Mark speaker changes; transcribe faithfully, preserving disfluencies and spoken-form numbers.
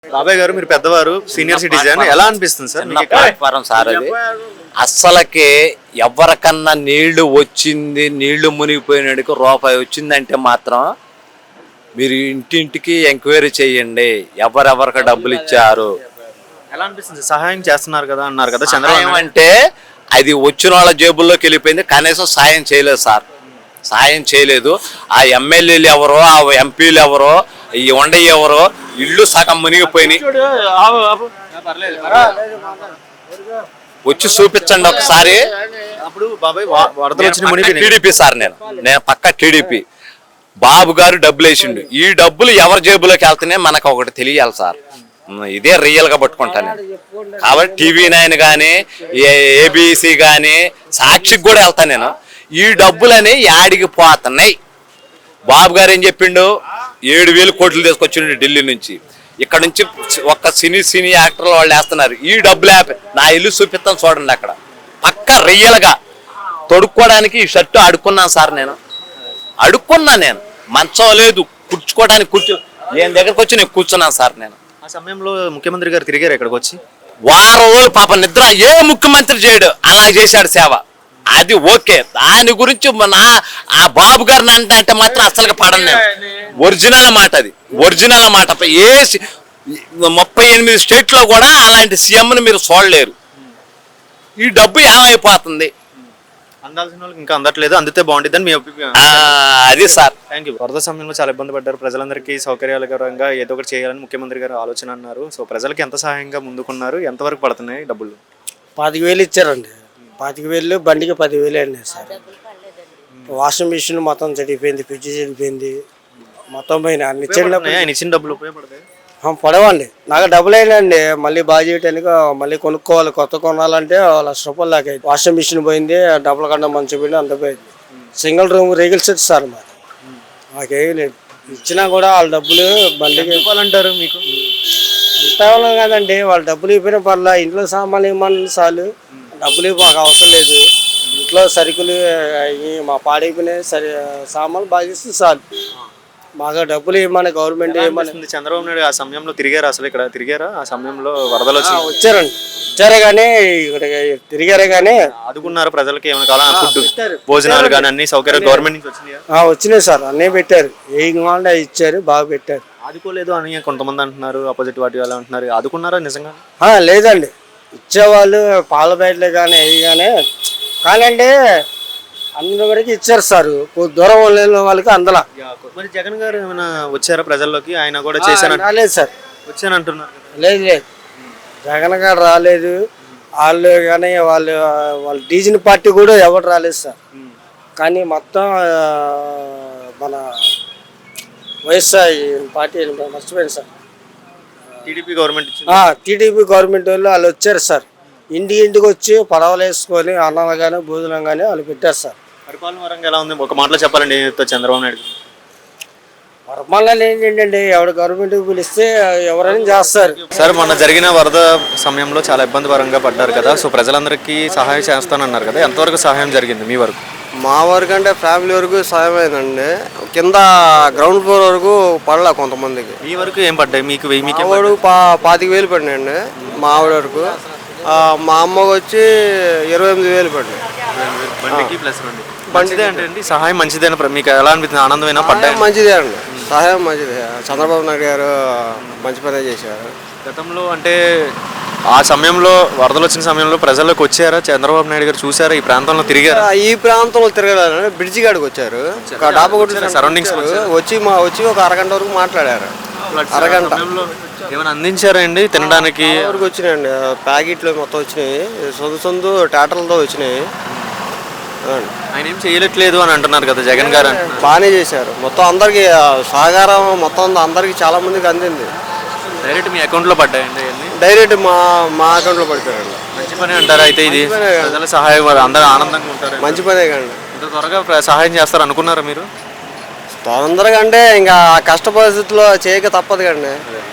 Speaker 1: బాబాయ్ గారు మీరు పెద్దవారు, సీనియర్ సిటిజన్, ఎలా అనిపిస్తుంది సార్ మీకు?
Speaker 2: ప్లాట్ఫారం సార్ అది. అస్సలకి ఎవరికన్నా నీళ్లు వచ్చింది, నీళ్లు మునిగిపోయినడికి రూపాయి వచ్చిందంటే మాత్రం మీరు ఇంటింటికి ఎంక్వైరీ చేయండి, ఎవరెవరికి డబ్బులు ఇచ్చారు.
Speaker 1: ఎలా అనిపిస్తుంది? సహాయం చేస్తున్నారు కదా అన్నారు కదా చంద్రబాబు.
Speaker 2: అంటే అది వచ్చిన వాళ్ళ జేబుల్లోకి వెళ్ళిపోయింది, కనీసం సాయం చేయలేదు సార్. సాయం చేయలేదు. ఆ ఎమ్మెల్యేలు ఎవరో, ఆ ఎంపీలు ఎవరో, ఈ వండ ఎవరో ఇల్లు సగం మునిగిపోయినాయి. వచ్చి చూపించండి ఒకసారి.
Speaker 1: అప్పుడు బాబాయ్ వరదలు వచ్చిన
Speaker 2: టీడీపీ సార్, నేను నేను పక్క టీడీపీ. బాబు గారు డబ్బులు వేసిండు, ఈ డబ్బులు ఎవరి జేబులోకి వెళ్తున్నాయి మనకు ఒకటి తెలియాలి సార్. ఇదే రియల్ గా పట్టుకుంటాను కాబట్టి టీవీ నైన్ కానీ, ఏబిసి కానీ, సాక్షికి కూడా వెళ్తాను నేను. ఈ డబ్బులని యాడికి పోతున్నాయి? బాబు గారు ఏం చెప్పిండు? ఏడు వేలు కోట్లు తీసుకొచ్చిండు ఢిల్లీ నుంచి. ఇక్కడ నుంచి ఒక్క సినీ సినీ యాక్టర్లు వాళ్ళు వేస్తున్నారు. ఈ డబ్బులు నా ఇల్లు చూపిస్తాను చూడండి, అక్కడ పక్క రియల్ గా తొడుక్కోవడానికి ఈ షర్టు అడుక్కున్నాను సార్. నేను అడుక్కున్నా, నేను మంచం లేదు కూర్చుకోవడానికి, కూర్చో నేను దగ్గరకు వచ్చి నేను కూర్చున్నాను సార్. నేను
Speaker 1: ఆ సమయంలో ముఖ్యమంత్రి గారు తిరిగారు ఇక్కడికి వచ్చి.
Speaker 2: వారం రోజులు పాప నిద్ర ఏ ముఖ్యమంత్రి చేయడు, అలా చేశాడు సేవ. అది ఓకే. దాని గురించి మన ఆ బాబు గారిని అంటే అంటే మాత్రం అసలు పడను నేను. ఒరిజినల్ మాట, అది ఒరిజినల్ మాట. ఏ ముప్పై ఎనిమిది స్టేట్ లో కూడా అలాంటి సీఎంని మీరు చూడలేరు. ఈ డబ్బు ఏమైపోతుంది?
Speaker 1: అందాల్సిన వాళ్ళకి ఇంకా అందట్లేదు, అందితే బాగుంటుంది అని మీ అభిప్రాయం.
Speaker 2: అది సార్.
Speaker 1: Thank you. వరద సమయంలో చాలా ఇబ్బంది పడ్డారు, ప్రజలందరికీ సౌకర్యాలకరంగా ఏదో ఒకటి చేయాలని ముఖ్యమంత్రి గారు ఆలోచన అన్నారు. సో ప్రజలకి ఎంత సహాయంగా ముందుకున్నారు, ఎంతవరకు పడుతున్నాయి డబ్బులు?
Speaker 3: పాతిక వేలు ఇచ్చారండి. పాతిక వేలు బండికి పదివేలు అండి సార్. వాషింగ్ మిషన్ మొత్తం చెడిపోయింది, ఫ్రిడ్జ్ చెడిపోయింది, మొత్తం పోయినా అన్ని
Speaker 1: ఆయన ఇచ్చిన డబ్బులు ఉపయోగపడతాయి?
Speaker 3: పడవండి. నాకు డబ్బులు అయినండి, మళ్ళీ బాగా చేయడానికి మళ్ళీ కొనుక్కోవాలి, కొత్త కొనాలంటే లక్ష రూపాయలు దాకా అయింది. వాషింగ్ మిషన్ పోయింది, డబ్బుల కన్నా మంచి పోయింది, అంత పోయింది. Single room regular set sir మాది. మాకేం లేదు. ఇచ్చినా కూడా వాళ్ళ డబ్బులు బండికి
Speaker 1: ఇవ్వాలంటారు. మీకు
Speaker 3: ఎంత ఇవ్వాలి కదండి, వాళ్ళ డబ్బులు ఇవ్వడం పర్లా. ఇంట్లో సామాన్లు ఇవ్వమని చాలు, డబ్బులు మాకు అవసరం లేదు. ఇంట్లో సరుకులు మా పాడైపోయినాయి, సరి సామాన్లు బాగా ఇస్తే చాలు. మాకు డబ్బులు ఇవ్వమని గవర్నమెంట్ ఏమని.
Speaker 1: చంద్రబాబు నాయుడు ఆ సమయంలో తిరిగారా? అసలు ఇక్కడ తిరిగారా? ఆ సమయంలో వరదలు వచ్చి
Speaker 3: వచ్చారండి, వచ్చారే కానీ ఇక్కడ తిరిగారే కానీ
Speaker 1: ఆదుకున్నారు ప్రజలకి. ఏమైనా కావాలా? ఫుడ్, భోజనాలు కానీ అన్ని సౌకర్యాలు గవర్నమెంట్ నుంచి వచ్చినాయా?
Speaker 3: వచ్చినాయి సార్, అన్నీ పెట్టారు. ఏం కావాలంటే ఇచ్చారు, బాగా పెట్టారు.
Speaker 1: ఆదుకోలేదు అని కొంతమంది అంటున్నారు, అపోజిట్ పార్టీ వాళ్ళు అంటున్నారు. ఆదుకున్నారా నిజంగా?
Speaker 3: లేదండి, ఇచ్చేవాళ్ళు పాల బయటలే కానీ అవి కానీ కానీ అంటే అందరి వరకు ఇచ్చారు సార్. దూరం లేని వాళ్ళకి అందలా.
Speaker 1: మరి జగన్ గారు ఏమైనా వచ్చారా ప్రజల్లోకి? ఆయన కూడా చేశారు?
Speaker 3: రాలేదు సార్.
Speaker 1: వచ్చానంటున్నారు.
Speaker 3: లేదు లేదు, జగన్ గారు రాలేదు. వాళ్ళు కానీ వాళ్ళు వాళ్ళ డీజిల్ పార్టీ కూడా ఎవరు రాలేదు సార్. కానీ మొత్తం మన వైఎస్ఆర్ పార్టీ మర్చిపోయింది sir.
Speaker 1: TDP government
Speaker 3: TDP government వాళ్ళు వాళ్ళు వచ్చారు సార్. ఇంటి ఇంటికి వచ్చి పడవలు వేసుకొని అన్నం కానీ భోజనం కానీ వాళ్ళు పెట్టారు సార్.
Speaker 1: పరిపాలన వరంగా ఎలా ఉంది ఒక మాటలో చెప్పాలండి చంద్రబాబు నాయుడు?
Speaker 3: పరిపాలన ఏంటంటే ఎవరు గవర్నమెంట్ పిలిస్తే ఎవరైనా చేస్తారు
Speaker 1: సార్. మొన్న జరిగిన వరద సమయంలో చాలా ఇబ్బందికరంగా పడ్డారు కదా, సో ప్రజలందరికీ సహాయం చేస్తానన్నారు కదా, ఎంతవరకు సహాయం జరిగింది మీ వరకు?
Speaker 3: మా వరకు అంటే ఫ్యామిలీ వరకు సాయం అయిందండి. కింద గ్రౌండ్ ఫ్లోర్ వరకు పడలే కొంతమందికి.
Speaker 1: మీ వరకు ఏం పడ్డాయి? మీకు మీకు
Speaker 3: పా పాతిక వేలు పడినాయండి మా ఆవిడ వరకు. మా అమ్మకి వచ్చి ఇరవై ఎనిమిది వేలు పడినాయి.
Speaker 1: బండికి ప్లస్ బండి. మంచిదే అంటే అండి సహాయం మంచిదే. మీకు ఎలా అనిపిస్తుంది? ఆనందమైన పడ్డాయి?
Speaker 3: మంచిదే అండి, సహాయం మంచిదే. చంద్రబాబు నాయుడు గారు మంచి పనే చేశారు.
Speaker 1: గతంలో అంటే ఆ సమయంలో వరదలు వచ్చిన సమయంలో ప్రజల్లోకి వచ్చారా చంద్రబాబు నాయుడు గారు? చూసారా? ఈ ప్రాంతంలో తిరిగారా?
Speaker 3: ఈ ప్రాంతంలో తిరగలేదు, బ్రిడ్జి కాడికి వచ్చారు, డాబా కొట్టి
Speaker 1: సరౌండింగ్స్
Speaker 3: వచ్చి మా వచ్చి ఒక అరగంట వరకు మాట్లాడారు. అరగంట
Speaker 1: ఏమైనా అందించారా అండి తినడానికి?
Speaker 3: వరకు వచ్చినాయండి, ప్యాకెట్లు మొత్తం వచ్చినాయి, సొంత సొంత టాటర్లతో వచ్చినాయి.
Speaker 1: ఆయన ఏం చేయట్లేదు అని అంటున్నారు కదా జగన్ గారు.
Speaker 3: బాగానే చేశారు, మొత్తం అందరికి సహకారం మొత్తం అందరికి చాలా మందికి అందింది.
Speaker 1: డైరెక్ట్ మీ అకౌంట్ లో పడ్డాయండి?
Speaker 3: డైరెక్ట్ మా మా అకౌంట్ లో పడిపోయారు.
Speaker 1: మంచి పని అంటారా అయితే? ఇది ప్రజల సహాయం, అందరూ ఆనందంగా ఉంటారు.
Speaker 3: మంచి పనే కండి.
Speaker 1: ఇంత త్వరగా సహాయం చేస్తారు అనుకున్నారా మీరు?
Speaker 3: తొందరగా అంటే ఇంకా కష్ట పరిస్థితుల్లో చేయక తప్పదు కండి.